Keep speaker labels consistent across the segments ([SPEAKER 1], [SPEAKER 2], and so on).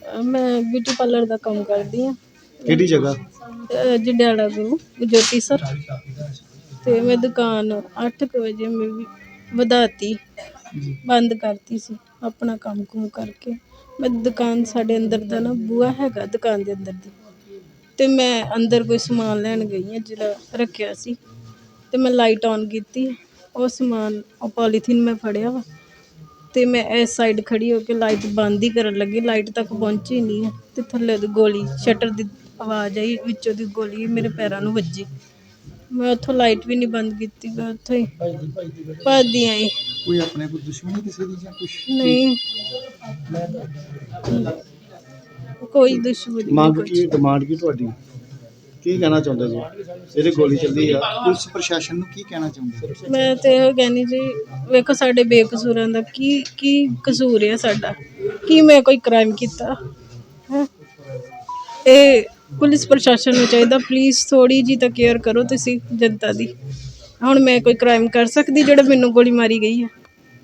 [SPEAKER 1] मैं beauty parlour का काम करती हाँ।
[SPEAKER 2] ਕਿਹੜੀ ਜਗ੍ਹਾ?
[SPEAKER 1] जंडियाला गुरु ज्योति सर। तो मैं दुकान 8 बजे मैं वधाती बंद करती सी अपना काम कुम करके। मैं दुकान साढ़े अंदर का ना बूहा हैगा दुकान के अंदर दी, तो मैं अंदर कोई समान लैन गई हाँ जो रखिया सी, तो मैं लाइट ऑन की, वो समान पॉलीथीन मैं फड़िया वा, तो मैं इस साइड खड़ी होकर लाइट बंद ही करन लगी, लाइट तक पहुंची नहीं है, तो थल्ले दी गोली शटर की आवाज़ आई, विचों दी गोली मेरे पैरों में वजी। मैं उतों लाइट भी नहीं बंद की, मैं उतों ही भजदी आई।
[SPEAKER 2] कोई अपने कोई दुश्मनी किसी दी जां कुछ?
[SPEAKER 1] नहीं, कोई दुश्मनी
[SPEAKER 2] ਮੰਗ
[SPEAKER 1] नहीं,
[SPEAKER 2] ਕੀ ਡਿਮਾਂਡ ਕੀ ਤੁਹਾਡੀ ਕੀ ਕਹਿਣਾ ਚਾਹੁੰਦੇ ਜੀ ਇਹਦੇ ਗੋਲੀ ਚੱਲੀ ਆ ਪੁਲਿਸ ਪ੍ਰਸ਼ਾਸਨ ਨੂੰ ਕੀ ਕਹਿਣਾ ਚਾਹੁੰਦੇ?
[SPEAKER 1] ਮੈਂ ਤੇ ਇਹ ਕਹਿੰਦੀ ਜੀ ਵੇਖੋ ਸਾਡੇ ਬੇਕਸੂਰਾਂ ਦਾ ਕੀ ਕਸੂਰ ਹੈ ਸਾਡਾ, ਕੀ ਮੈਂ ਕੋਈ ਕ੍ਰਾਈਮ ਕੀਤਾ ਹੈ? ਇਹ ਪੁਲਿਸ ਪ੍ਰਸ਼ਾਸਨ ਨੂੰ ਚਾਹੀਦਾ ਪਲੀਜ਼ ਥੋੜੀ ਜੀ ਤਾਂ ਕੇਅਰ ਕਰੋ ਤੁਸੀਂ ਜਨਤਾ ਦੀ। ਹੁਣ ਮੈਂ ਕੋਈ ਕ੍ਰਾਈਮ ਕਰ ਸਕਦੀ ਜਿਹੜਾ ਮੈਨੂੰ ਗੋਲੀ ਮਾਰੀ ਗਈ ਹੈ?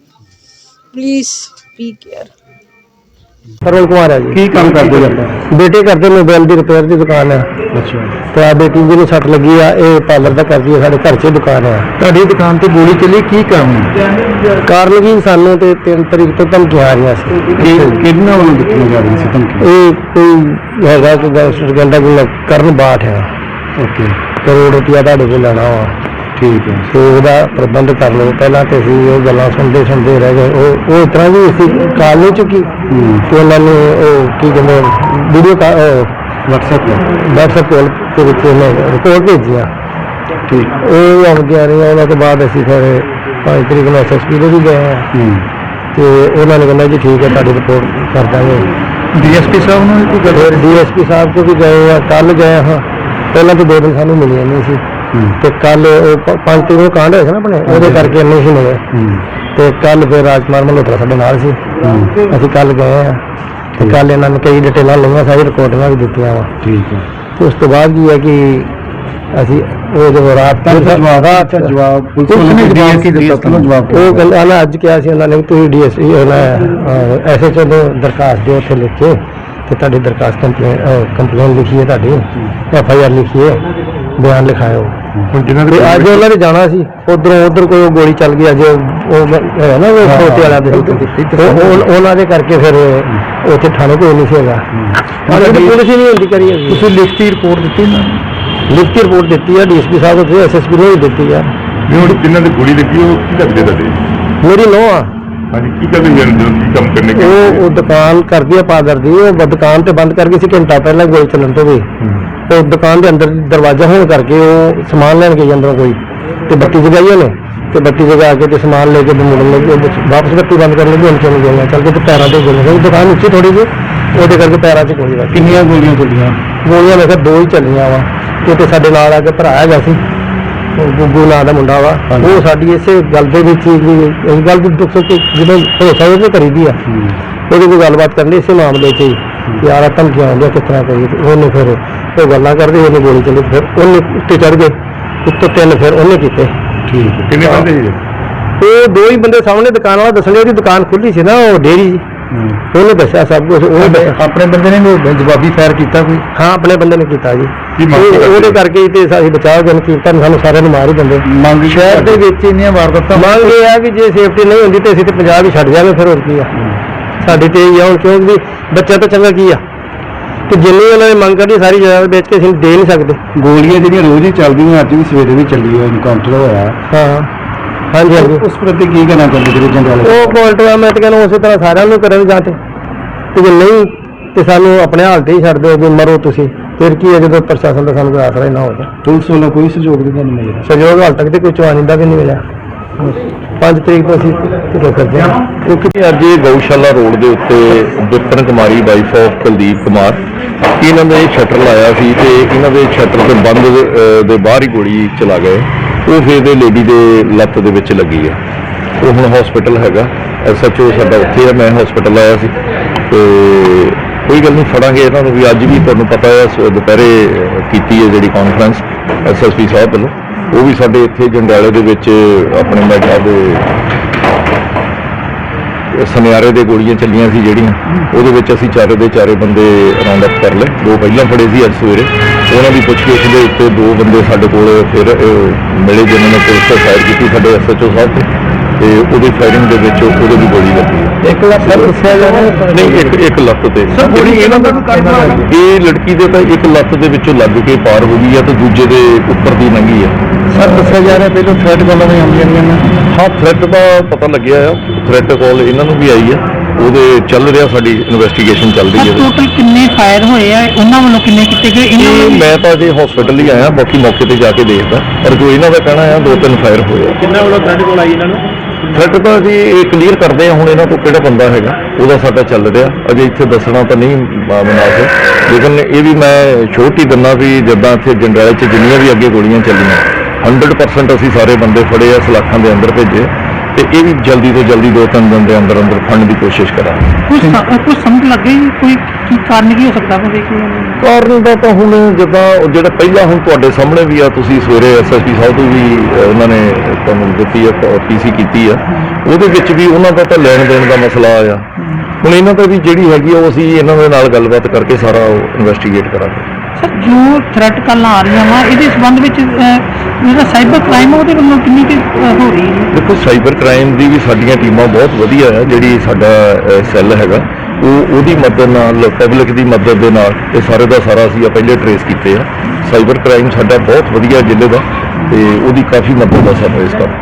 [SPEAKER 1] Please be care.
[SPEAKER 3] Sarvan Kumar है जी।
[SPEAKER 2] ਕੀ ਕੰਮ ਕਰਦੇ ਜੀ ਆਪਾਂ?
[SPEAKER 3] बेटे करते मोबाइल की रिपेयर की दुकान है,
[SPEAKER 2] ਅੱਛਾ,
[SPEAKER 3] तो आ बेटी जी सट लगी है, ये पार्लर का करती है, साढ़े घर च दुकान है।
[SPEAKER 2] ਤੁਹਾਡੀ ਦੁਕਾਨ ਤੇ ਗੋਲੀ ਚੱਲੀ ਕੀ ਕਾਰਨ?
[SPEAKER 3] कारण की सानू तो 3 तारीख तो धमकी आ रही सी,
[SPEAKER 2] ਕਿਹਨਾਂ ਵੱਲੋਂ ਦਿੱਤੀਆਂ ਜਾ ਰਹੀਆਂ ਸੀ ਧਮਕੀ?
[SPEAKER 3] ये कोई हैगा कि कहता कि करण बाठ है,
[SPEAKER 2] ਓਕੇ,
[SPEAKER 3] करोड़ रुपया तुहाडे कोल लेना वा,
[SPEAKER 2] ਠੀਕ ਹੈ।
[SPEAKER 3] तो वह प्रबंध कर लो। पहला तो असीं वो गल्लां सुनते रह गए, वो इस तरह की असीं कॉल नहीं चुकी, तो उन्होंने की कहते वीडियो व्हाट्सएप कॉल के रिपोर्ट भेजी,
[SPEAKER 2] ठीक,
[SPEAKER 3] वो आउंदियां रही। उन्होंने बाद असीं फिर 5 तरीक को SSP दे भी गए हैं, तो उन्होंने कहना जी ठीक है तुहाडी रिपोर्ट कर देंगे।
[SPEAKER 2] DSP साहब ने कोई
[SPEAKER 3] फिर DSP साहब को भी गए हैं, कल गए हाँ, पहले तो 2 दिन सानू मिले नहीं सी, तो कल 5 तरीक को कांड होया ना अपने वो करके नहीं सी मिले, तो कल फिर राजकुमार मल्होत्रा साडे नाल सी, असीं कल गए हैं, तो कल इन्होंने कई डिटेल लईआं, सारी रिकॉर्डिंगां भी दित्तियां वा।
[SPEAKER 2] ठीक है,
[SPEAKER 3] तो उस तो बाद की है कि असीं वो जो रात
[SPEAKER 2] जवाब पुलिस ने दिया जवाब
[SPEAKER 3] वो कहना अज कहा सी उन्होंने तुसीं DSP SHO को दरखास्त दिओ, उत्थे लिख के तो तुहाडी दरखास्त कंप्लेन लिखी है, तुहाडी FIR लिखी है, बयान लिखाओ। अज उन्होंने जाना सी उधर कोई गोली चल गई, अज है ना वो छोटे वाला उन्होंने करके फिर उत्थे थाने कोई नहीं सी, पुलिस ही नहीं होती करी।
[SPEAKER 2] लिखती रिपोर्ट दी ना?
[SPEAKER 3] लिखती रिपोर्ट दी है DSP साहब को, SSP ने भी दी है।
[SPEAKER 4] जिन्होंने ने गोली लगी वो की करते थे?
[SPEAKER 3] मेरी नौं आ।
[SPEAKER 4] हाँ जी, की करते की काम करने के?
[SPEAKER 3] वो दुकान करती है पादर दी, वो दुकान तो बंद करके सी घंटा पहले गोली चलन तो भी, तो दुकान के अंदर दरवाजा होने करके वो समान लैन गई अंदरों कोई, तो बत्ती जगाई उन्हें, तो बत्ती जगा के तो समान लेके मुड़न लगे, वापस बत्ती बंद करने लगी, उनके गोलियां चल के तो पैरों से गोलियां, दुकान नीचे थोड़ी जी वो करके पैरों से गोली लगी।
[SPEAKER 2] कितनी गोलियां चलियां?
[SPEAKER 3] गोलियां मैं 2 ही चलियां वा। तो साडे नाल आके भरा हैगा सी गुग्गू नाम का मुंडा वा, वो साडी इसे गल दे विच इस गल दी दुख सुख जिवें भरोसा वो करी दी आ, ਉਹਦੀ कोई गलबात करनी इसे मामले च ही यार धमकियां आउंदियां किस तरह करिए, उन्हें फिर वो गल्लां करदे उन्हें गोली चली, फिर उन्हें उत्ते चढ़ गए, उत्तों 3 फिर उन्हें कीते।
[SPEAKER 4] ठीक है, कितने बंदे जी?
[SPEAKER 3] वो 2 ही बंदे सामने दुकान वाला दसने, ਉਹਦੀ दुकान खुली सी ना वो डेयरी, ਉਹਨੇ ਦੱਸਿਆ सब कुछ।
[SPEAKER 2] अपने बंदे ने जवाबी फायर किया कोई?
[SPEAKER 3] हाँ अपने बंदे ने किया जी, ਉਹਦੇ ਕਰਕੇ ਤੇ ਅਸੀਂ ਬਚਾਅ ਜਨ ਕੀਤਾ, ਸਾਨੂੰ ਸਾਰਿਆਂ ਨੂੰ ਮਾਰ ਹੀ ਦਿੰਦੇ।
[SPEAKER 2] ਮੰਗ
[SPEAKER 3] ਸ਼ਹਿਰ ਦੇ ਵਿੱਚ ਇੰਨੀਆਂ ਵਾਰਦਾਤਾਂ, ਮੰਗ ਇਹ ਆ ਕਿ ਜੇ ਸੇਫਟੀ ਨਹੀਂ ਹੁੰਦੀ ਤੇ ਅਸੀਂ ਤੇ ਪੰਜਾਬ ਹੀ ਛੱਡ ਜਾਵਾਂਗੇ, ਫਿਰ ਹੋਰ ਕੀ ਆ ਸਾਡੀ ਤੇ ਇਹ ਆ ਹੁਣ, ਕਿਉਂਕਿ ਬੱਚਾ ਤਾਂ ਚੰਗਾ ਕੀ ਆ ਕਿ ਜਿੰਨੀ ਉਹਨਾਂ ਨੇ ਮੰਗ ਕਰਨੀ ਸਾਰੀ ਜਗ੍ਹਾ ਵੇਚ ਕੇ ਅਸੀਂ ਦੇ ਨਹੀਂ ਸਕਦੇ।
[SPEAKER 2] ਗੋਲੀਆਂ ਜਿਹੜੀਆਂ ਰੋਜ਼ ਹੀ ਚੱਲਦੀਆਂ, ਅੱਜ ਵੀ ਸਵੇਰੇ ਵੀ ਚੱਲੀ ਹੈ, ਇਨਕਾਊਂਟਰ ਹੋਇਆ।
[SPEAKER 3] ਹਾਂ ਹਾਂਜੀ ਹਾਂਜੀ,
[SPEAKER 2] ਉਸ ਪ੍ਰਤੀ ਕੀ ਕਹਿਣਾ ਚਾਹੁੰਦੇ ਜਿਹੜੇ ਜੰਗਾਲੇ?
[SPEAKER 3] ਉਹ ਪੋਲਟਵਾ ਮੈਂ ਤਾਂ ਕਹਿੰਦਾ ਉਸੇ ਤਰ੍ਹਾਂ ਸਾਰਿਆਂ ਨੂੰ ਕਰੇ ਜਾਂ ਤੇ ਜੇ ਨਹੀਂ ਤੇ ਸਾਨੂੰ ਆਪਣੇ ਹਾਲ ਤੇ ਹੀ ਛੱਡ ਦਿਓ, ਵੀ ਮਰੋ ਤੁਸੀਂ, ਫਿਰ ਕੀ ਹੈ ਜਦੋਂ ਪ੍ਰਸ਼ਾਸਨ ਦਾ ਸਾਨੂੰ ਕੋਈ ਆਸਰਾ ਹੀ ਨਾ ਹੋਵੇ।
[SPEAKER 2] ਪੁਲਿਸ ਵੱਲੋਂ ਕੋਈ ਸਹਿਯੋਗ ਨਹੀਂ ਤੁਹਾਨੂੰ ਮਿਲਿਆ?
[SPEAKER 3] ਸਹਿਯੋਗ ਹਾਲ ਤੱਕ ਤੇ ਕੋਈ ਚਵਾਨੀ ਦਾ ਵੀ ਨਹੀਂ ਮਿਲਿਆ। 5 ਤਰੀਕ ਤੋਂ ਅਸੀਂ ਢਿੱਲੋਂ ਕਰਦੇ ਹਾਂ,
[SPEAKER 4] ਕਿਉਂਕਿ ਅੱਜ ਇਹ ਗਊਸ਼ਾਲਾ ਰੋਡ ਦੇ ਉੱਤੇ ਵਿਪਨ ਕੁਮਾਰੀ ਵਾਈਫ ਆਫ ਕੁਲਦੀਪ ਕੁਮਾਰ, ਇਹਨਾਂ ਨੇ ਸ਼ਟਰ ਲਾਇਆ ਸੀ ਤੇ ਇਹਨਾਂ ਦੇ ਸ਼ਟਰ ਦੇ ਬੰਦ ਦੇ ਬਾਹਰ ਹੀ ਗੋਲੀ ਚਲਾ ਗਏ। ਉਹ ਫਿਰ ਦੇ ਲੇਡੀ ਦੇ ਲੱਤ ਦੇ ਵਿੱਚ ਲੱਗੀ ਆ, ਉਹ ਹੁਣ ਹਸਪੀਟਲ ਹੈਗਾ। SHO ਸਾਡਾ ਉੱਥੇ ਆ, ਮੈਂ ਹਸਪੀਟਲ ਆਇਆ ਸੀ, ਤੇ ਕੋਈ ਗੱਲ ਨਹੀਂ, ਫੜਾਂਗੇ ਇਹਨਾਂ ਨੂੰ ਵੀ। ਅੱਜ ਵੀ ਤੁਹਾਨੂੰ ਪਤਾ ਹੈ ਦੁਪਹਿਰੇ ਕੀਤੀ ਹੈ ਜਿਹੜੀ ਕਾਨਫਰੰਸ SSP ਸਾਹਿਬ ਵੱਲੋਂ, ਉਹ ਵੀ ਸਾਡੇ ਇੱਥੇ ਜੰਡਿਆਲੇ ਦੇ ਵਿੱਚ ਆਪਣੇ ਮੈਟਾ ਦੇ ਸੁਨਿਆਰੇ ਦੇ ਗੋਲੀਆਂ ਚੱਲੀਆਂ ਸੀ ਜਿਹੜੀਆਂ, ਉਹਦੇ ਵਿੱਚ ਅਸੀਂ ਚਾਰੇ ਦੇ ਚਾਰੇ ਬੰਦੇ ਰਾਉਂਡ ਅਪ ਕਰ ਲਏ। 2 ਪਹਿਲਾਂ ਫੜੇ ਸੀ ਅੱਜ ਸਵੇਰੇ, ਉਹਨਾਂ ਦੀ ਪੁੱਛਗਿੱਛ ਦੇ ਉੱਤੇ 2 ਬੰਦੇ ਸਾਡੇ ਕੋਲ ਫਿਰ ਮਿਲੇ ਜਿਨ੍ਹਾਂ ਨੇ ਪੁਲਿਸ ਤੇ ਫਾਇਰ ਕੀਤੀ ਸਾਡੇ SHO ਸਾਹਿਬ ਤੇ ਉਹਦੀ ਫਾਇਰਿੰਗ ਦੇ ਵਿੱਚ ਉਹਦੇ ਵੀ ਗੋਲੀ ਲੱਗੀ।
[SPEAKER 3] 1 ਲੱਖ ਦੱਸਿਆ ਜਾ ਰਿਹਾ
[SPEAKER 4] ਨਹੀਂ, ਇੱਕ ਲੱਤ ਤੇ ਜਿਹੜੀ ਇਹਨਾਂ ਦਾ ਇਹ ਲੜਕੀ ਦੇ ਤਾਂ 1 ਲੱਤ ਦੇ ਵਿੱਚੋਂ ਲੱਗ ਕੇ ਪਾਰ ਹੋ ਗਈ ਆ ਤੇ ਦੂਜੇ ਦੇ ਉੱਪਰ ਦੀ ਲੰਘੀ ਆ।
[SPEAKER 3] ਸਰ ਦੱਸਿਆ ਜਾ ਰਿਹਾ ਪਹਿਲਾਂ ਥ੍ਰੈਟ ਕਾਲਾਂ ਵੀ ਆਉਂਦੀਆਂ ਰਹੀਆਂ ਨੇ।
[SPEAKER 4] ਹਾਂ, ਥ੍ਰੈਟ ਦਾ ਪਤਾ ਲੱਗਿਆ ਆ, ਥ੍ਰੈਟ ਕਾਲ ਇਹਨਾਂ ਨੂੰ ਵੀ ਆਈ ਆ, ਉਹਦੇ ਚੱਲ ਰਿਹਾ, ਸਾਡੀ ਇਨਵੈਸਟੀਗੇਸ਼ਨ ਚੱਲ ਰਹੀ ਹੈ।
[SPEAKER 5] ਟੋਟਲ ਕਿੰਨੇ ਫਾਇਰ ਹੋਏ ਆ, ਉਹਨਾਂ ਵੱਲੋਂ ਕਿੰਨੇ ਕੀਤੇ ਗਏ?
[SPEAKER 4] ਇਹ ਮੈਂ ਤਾਂ ਅਜੇ ਹਸਪੀਟਲ ਹੀ ਆਇਆ, ਬਾਕੀ ਮੌਕੇ ਤੇ ਜਾ ਕੇ ਦੇਖਦਾ, ਪਰ ਜੋ ਇਹਨਾਂ ਦਾ ਕਹਿਣਾ ਆ 2-3 ਫਾਇਰ ਹੋਏ ਆ।
[SPEAKER 3] ਕਿੰਨਾ ਵੱਲੋਂ ਥ੍ਰੈਟ ਕਾਲ ਆਈ ਇਹਨਾਂ ਨੂੰ?
[SPEAKER 4] ਥ੍ਰੈਟ ਤਾਂ ਅਸੀਂ ਇਹ ਕਲੀਅਰ ਕਰਦੇ ਆ ਹੁਣ, ਇਹਨਾਂ ਤੋਂ ਕਿਹੜਾ ਬੰਦਾ ਹੈਗਾ ਉਹਦਾ ਸਾਡਾ ਚੱਲ ਰਿਹਾ, ਅਜੇ ਇੱਥੇ ਦੱਸਣਾ ਤਾਂ ਨਹੀਂ ਮੁਨਾਸਿਬ, ਲੇਕਿਨ ਇਹ ਵੀ ਮੈਂ ਛੋਟੀ ਦਿੰਦਾ ਵੀ ਜਿੱਦਾਂ ਇੱਥੇ ਜੰਡਿਆਲੇ 'ਚ ਜਿੰਨੀਆਂ ਵੀ ਅੱਗੇ ਗੋਲੀਆਂ ਚੱਲੀਆਂ 100% ਅਸੀਂ ਸਾਰੇ ਬੰਦੇ ਫੜੇ ਆ, ਸਲਾਖਾਂ ਦੇ ਅੰਦਰ ਭੇਜੇ, ਤੇ ਇਹ ਵੀ ਜਲਦੀ ਤੋਂ ਜਲਦੀ 2-3 ਦਿਨ ਦੇ ਅੰਦਰ ਫੜਨ ਦੀ ਕੋਸ਼ਿਸ਼ ਕਰਾਂਗੇ।
[SPEAKER 5] ਕੁਝ ਸਮਝ ਲੱਗੇ ਕੋਈ ਕੀ ਕਾਰਨ ਕੀ ਹੋ ਸਕਦਾ ਵਾ? ਦੇਖੀਏ
[SPEAKER 4] ਕਾਰਨ ਦਾ ਤਾਂ ਹੁਣ ਜਿੱਦਾਂ ਜਿਹੜਾ ਪਹਿਲਾਂ ਹੁਣ ਤੁਹਾਡੇ ਸਾਹਮਣੇ ਵੀ ਆ, ਤੁਸੀਂ ਸਵੇਰੇ SSP ਸਾਹਿਬ ਤੋਂ ਵੀ ਉਹਨਾਂ ਨੇ ਤੁਹਾਨੂੰ ਦਿੱਤੀ ਆ, PC ਕੀਤੀ ਆ, ਉਹਦੇ ਵਿੱਚ ਵੀ ਉਹਨਾਂ ਦਾ ਤਾਂ ਲੈਣ ਦੇਣ ਦਾ ਮਸਲਾ ਆ। ਹੁਣ ਇਹਨਾਂ ਦਾ ਵੀ ਜਿਹੜੀ ਹੈਗੀ ਆ ਉਹ ਅਸੀਂ ਇਹਨਾਂ ਦੇ ਨਾਲ ਗੱਲਬਾਤ ਕਰਕੇ ਸਾਰਾ ਇਨਵੈਸਟੀਗੇਟ ਕਰਾਂਗੇ।
[SPEAKER 5] ਸਰ, ਜੋ ਥ੍ਰੈਟ ਕਾਲਾਂ ਆ ਰਹੀਆਂ ਵਾ ਇਹਦੇ ਸੰਬੰਧ ਵਿੱਚ ਜਿਹੜਾ ਸਾਈਬਰ ਕ੍ਰਾਈਮ ਉਹਦੇ ਵੱਲੋਂ ਕਿੰਨੀ ਕੁ ਹੋ ਰਹੀ ਹੈ?
[SPEAKER 4] ਦੇਖੋ, ਸਾਈਬਰ ਕ੍ਰਾਈਮ ਦੀ ਵੀ ਸਾਡੀਆਂ ਟੀਮਾਂ ਬਹੁਤ ਵਧੀਆ ਆ, ਜਿਹੜੀ ਸਾਡਾ ਸੈੱਲ ਹੈਗਾ ਉਹਦੀ ਮਦਦ ਨਾਲ, ਪਬਲਿਕ ਦੀ ਮਦਦ ਦੇ ਨਾਲ ਇਹ ਸਾਰੇ ਦਾ ਸਾਰਾ ਅਸੀਂ ਪਹਿਲੇ ਟਰੇਸ ਕੀਤੇ ਆ। ਸਾਈਬਰ ਕ੍ਰਾਈਮ ਸਾਡਾ ਬਹੁਤ ਵਧੀਆ ਜ਼ਿਲ੍ਹੇ ਦਾ, ਤੇ ਉਹਦੀ ਕਾਫੀ ਮਦਦ ਆ ਸਾਨੂੰ ਇਸ ਕੰਮ